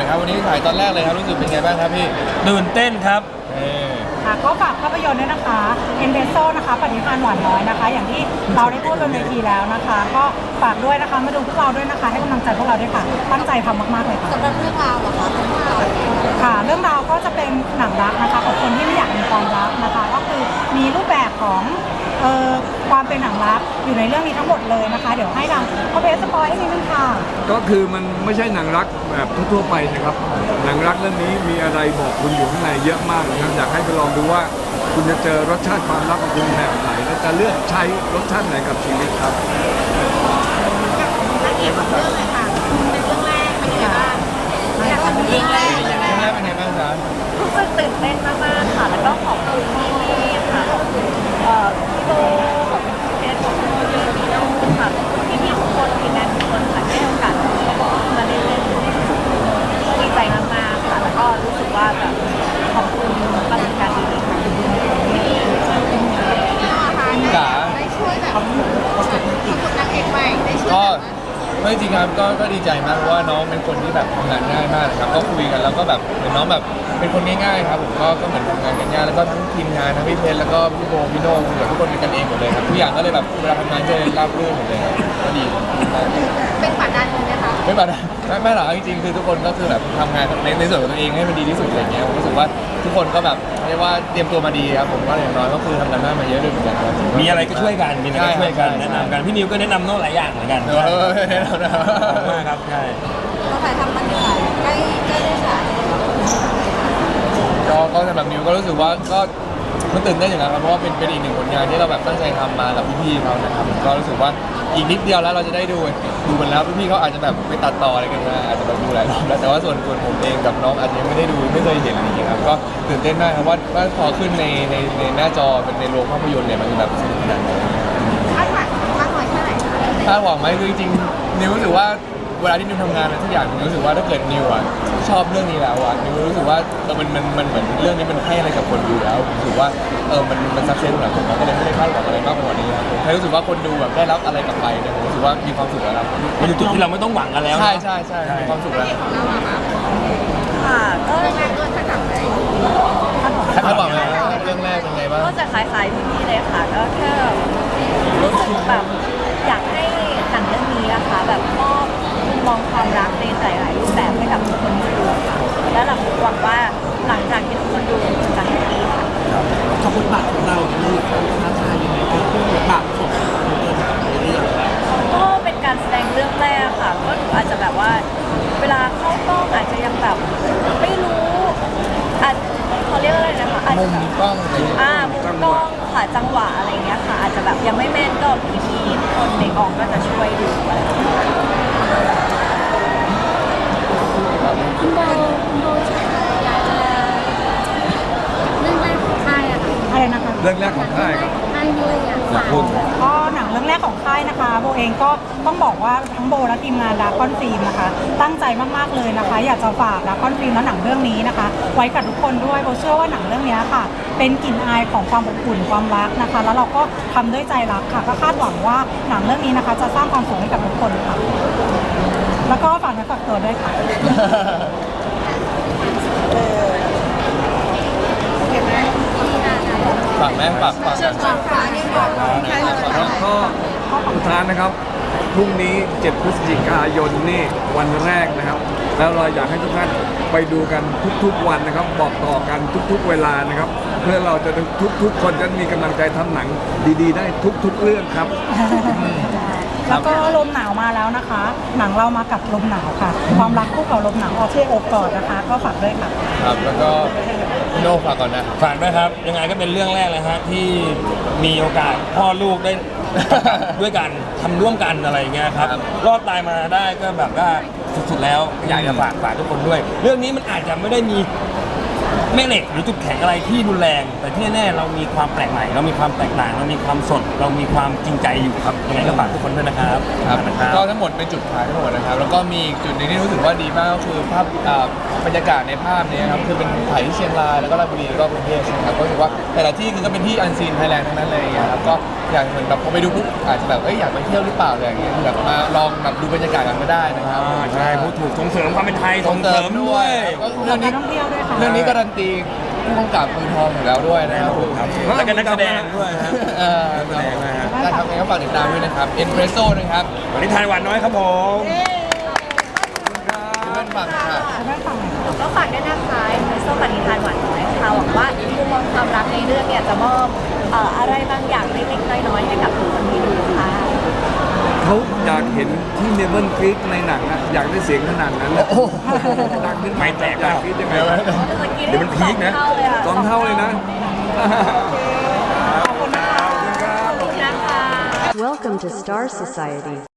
ครับวันนี้ถ่ายตอนแรกเลยครับรู้สึกเป็นไงบ้างครับพี่ตื่นเต้นครับค่ะก็ฝากภาพยนตร์ด้วยนะคะเอ็นเดโซนะคะปฏิภาณหวานน้อยนะคะอย่างที่เราได้พูดบนเวทีแล้วนะคะก็ฝากด้วยนะคะมาดูพวกเราด้วยนะคะให้กำลังใจพวกเราด้วยค่ะตั้งใจทำมากๆเลยค่ะสำหรับเรื่องราวเหรอคะค่ะเรื่องราวก็จะเป็นหนังรักนะคะของคนที่ไม่อยากมีความรักนะคะก็คือมีรูปแบบของความเป็นหนังรักอยู่ในเรื่องนี้ทั้งหมดเลยนะคะเดี๋ยวให้ทางพ่อเพชรสปอยให้นิดนึงค่ะก็คือมันไม่ใช่หนังรักแบบทั่วๆไปนะครับหนังรักเรื่องนี้มีอะไรบอกคุณอยู่ข้างในเยอะมากนะครับอยากให้ไปลองดูว่าคุณจะเจอรสชาติความรักของคุณแบบไหนและจะเลือกใช้รสชาติไหนกับชีวิตครับนักเอกของเรื่องเลยค่ะเป็นเรื่องแรกเป็นยังไงบ้างอยากทำเรื่องแรกเลยนะเป็นไงบ้างครับรู้สึกตื่นเต้นมากๆค่ะแล้วก็ขอบคุณพี่ค่ะขอบคุณพี่โบขอบคุณเพชรขอบคุณพี่น้องค่ะขอบคุณพี่ๆทุกคนทีมงานทุกคนค่ะที่ให้โอกาสมาเล่นดีใจมากๆค่ะแล้วก็รู้สึกว่าแบบขอบคุณประสบการณ์ดีๆค่ะจ๋าได้ช่วยแบบขอบคุณนางเอกใหม่ได้ช่วยก็ไม่จริงครับก็ดีใจมากเพราะว่าน้องเป็นคนที่แบบทำงานง่ายมากนะครับก็คุยกันแล้วก็แบบเหมือนน้องแบบเป็นคนง่ายๆครับผมก็เหมือนทำงานกันง่ายแล้วก็ทั้งทีมงานทั้งพี่เพชรแล้วก็พี่โบพี่โน่คุยกับทุกคนเป็นกันเองหมดเลยครับทุกอย่างก็เลยแบบเวลาทำงานจะราบรื่นหมดเลยครับก็ดีเป็นฝันดันเลยนะคะไม่บาดไม่หรอกจริงๆคือทุกคนก็คือแบบทำงานในส่วนของตัวเองให้มันดีที่สุดอะไรเงี้ยผมรู้สึกว่าทุกคนก็แบบเรียกว่าเตรียมตัวมาดีครับผมก็อย่างน้อยก็คือทำงานมาเยอะด้วยเหมือนกันครับมีอะไรก็ช่วยกันมีอะไรก็ช่วยกันแนะนำกันพี่นิวก็แนะนำโน้ตหลายอย่างเหมือนกันแนะนำนะมากครับใช่เราถ่ายทำมันเหนื่อยใกล้ได้ฉายก็สำหรับนิวก็รู้สึกว่าก็มันตื่นเต้นอย่างนั้นครับเพราะว่าเป็นอีกหนึ่งผลงานที่เราแบบตั้งใจทำมากับพี่ๆเขานะครับก็รู้สึกว่าอีกนิดเดียวแล้วเราจะได้ดูกันแล้วพี่ๆเขาอาจจะแบบไปตัดต่ออะไรกันมาอาจจะแบบดูหลายรอบแล้วแต่ว่าส่วนผมเองกับน้องอาจจะยังไม่ได้ดูไม่เคยเห็นอะไรอย่างเงี้ยครับก็ตื่นเต้นมากครับว่าพอขึ้นในหน้าจอเป็นในโรงภาพยนตร์เนี่ยมันแบบสนุกขนาดไหนคาดหวังมากน้อยแค่ไหนคะคาดหวังไหมคือจริงๆนิวรู้สึกว่าเวลาที่นิวทำงานอะไรทุกอย่างนิวรู้สึกว่าถ้าเกิดนิวอ่ะชอบเรื่องนี้แล้วอ่ะนิวรู้สึกว่ามันเหมือนเรื่องนี้มันให้อะไรกับคนดูแล้วรู้สึกว่ามันซักเซสสำหรับผมก็เลยไม่ได้คาดหวังอะไรมากกว่านี้ครับผมแค่รู้สึกว่าคนดูแบบได้รับอะไรกลับไปเนี่ยผมรู้สึกว่ามีความสุขแล้วครับมันอยู่จุดที่เราไม่ต้องหวังกันแล้วใช่มีความสุขแล้วค่ะก็เรื่องแรกก็ถ้าถามเลยคาดหวังเลยเรื่องแรกเป็นไงบ้างก็จะคล้ายๆพี่เลยค่ะก็แค่รู้สึกแบบอยากให้หนังเรื่องนี้นะคะแบบมอบมุมมองความรักในหลายๆรูปแบบให้กับทุกคนที่ดูค่ะและเราหวังว่าหลังจากที่ทุกคนดูจะแฮปปี้ค่ะบทบาทของเราเนี่ยท้าทายยังไงบ้างบทบาทของเรื่องก็เป็นการแสดงเรื่องแรกค่ะก็อาจจะแบบว่าเวลาเข้ากล้องอาจจะยังแบบไม่รู้อาจเขาเรียกอะไรนะคะอาจจะแบบมุมกล้องมุมกล้องค่ะจังหวะอะไรเงี้ยค่ะอาจจะแบบยังไม่แม่นก็พี่ๆคนในกองก็จะช่วยดูอะไรคุณโบอยากจะเรื่องแรกของค่ายอะค่ะอะไรนะคะเรื่องแรกของค่ายครับค่ายด้วยอยากพูดก็หนังเรื่องแรกของค่ายนะคะโบเองก็ต้องบอกว่าทั้งโบและทีมงานดาร์คอนฟิล์มนะคะตั้งใจมากๆเลยนะคะอยากจะฝากดาร์คอนฟิล์มและหนังเรื่องนี้นะคะไว้กับทุกคนด้วยโบเชื่อว่าหนังเรื่องนี้ค่ะเป็นกลิ่นอายของความอบอุ่นความรักนะคะแล้วเราก็ทำด้วยใจรักค่ะก็คาดหวังว่าหนังเรื่องนี้นะคะจะสร้างความสุขให้กับทุกคนค่ะแล้วก็ฝากเนื้อฝากตัวด้วยค่ะฝากแม่ฝากกันก็สุดท้ายนะครับพรุ่งนี้7 พฤศจิกายนนี่วันแรกนะครับแล้วเราอยากให้ทุกท่านไปดูกันทุกๆวันนะครับบอกต่อกันทุกๆเวลานะครับเพื่อเราจะทุกคนจะมีกำลังใจทำหนังดีๆได้ทุกๆเรื่องครับแล้วก็ลมหนาวมาแล้วนะคะ หนังเรามากับลมหนาวค่ะความรักคู่กับลมหนาวออกชื่อโอบกอดนะคะก็ฝากด้วยค่ะครับแล้วก็พี่โน่ฝากก่อนนะฝากด้วยครับยังไงก็เป็นเรื่องแรกเลยฮะที่มีโอกาสพ่อลูกได้ ด้วยกันทำร่วมกันอะไรเงี้ยครับรอดตายมาได้ก็แบบว่าสุดๆแล้วอยากจะฝากทุกคนด้วยเรื่องนี้มันอาจจะไม่ได้มีแม่เหล็กหรือจุดแข็งอะไรที่รุนแรงแต่ที่แน่เรามีความแปลกใหม่เรามีความแตกต่างเรามีความสดเรามีความจริงใจอยู่ครับยังไงก็ฝากทุกคนด้วยนะครับก็ทั้งหมดเป็นจุดขายทั้งหมดนะครับแล้วก็มีจุดนึงที่รู้สึกว่าดีมากก็คือภาพบรรยากาศในภาพนี้ครับคือเป็นถ่ายที่เชียงรายแล้วก็ราชบุรีแล้วก็กรุงเทพนะครับก็รู้สึกว่าแต่ละที่คือก็เป็นที่อันซีนไทยแลนด์ทั้งนั้นเลยครับก็อยากเหมือนแบบพอไปดูปุ๊บอาจจะแบบอยากไปเที่ยวหรือเปล่าอะไรอย่างเงี้ยแบบมาลองแบบดูบรรยากาศกันก็ได้นะครับใช่พูดถูกส่งเสริมความเป็นไทยส่งเสริมด้วยก็เรื่องนี้ท่องเที่ยวด้วยค่ะเรื่องนี้การันตีผู้กำกับมือทองอยู่แล้วด้วยนะครับผมครับแล้วก็นักแสดงด้วยฮะนักแสดงนะฮะได้ครับงั้นก็ฝากติดตามด้วยนะครับเอ็นเ e รสโซ่นะครับวันนี้ทานหวานน้อยครับผมเพื่อนฝั่งค่ะได้ฟังหน่อยค่ะก็ฝากด้วยนะคะเอสโซปณิธานหวานน้อยค่ะหวังว่ามุมมองความรักในเรื่องเนี่ยจะมอบอะไรบางอย่างเล็กๆน้อยๆให้กับทุกคนที่ดูค่ะเขาอยากเห็นที่เนเบิลคลิกในหนังอะอยากได้เสียงขนาดนั้นนะดังขึ้นไม่แตกอยากคิดยังไงวะเดี๋ยวมันพีคนะสองเท่าเลยนะขอบคุณนะคะขอบคุณนะคะ Welcome to Star Society.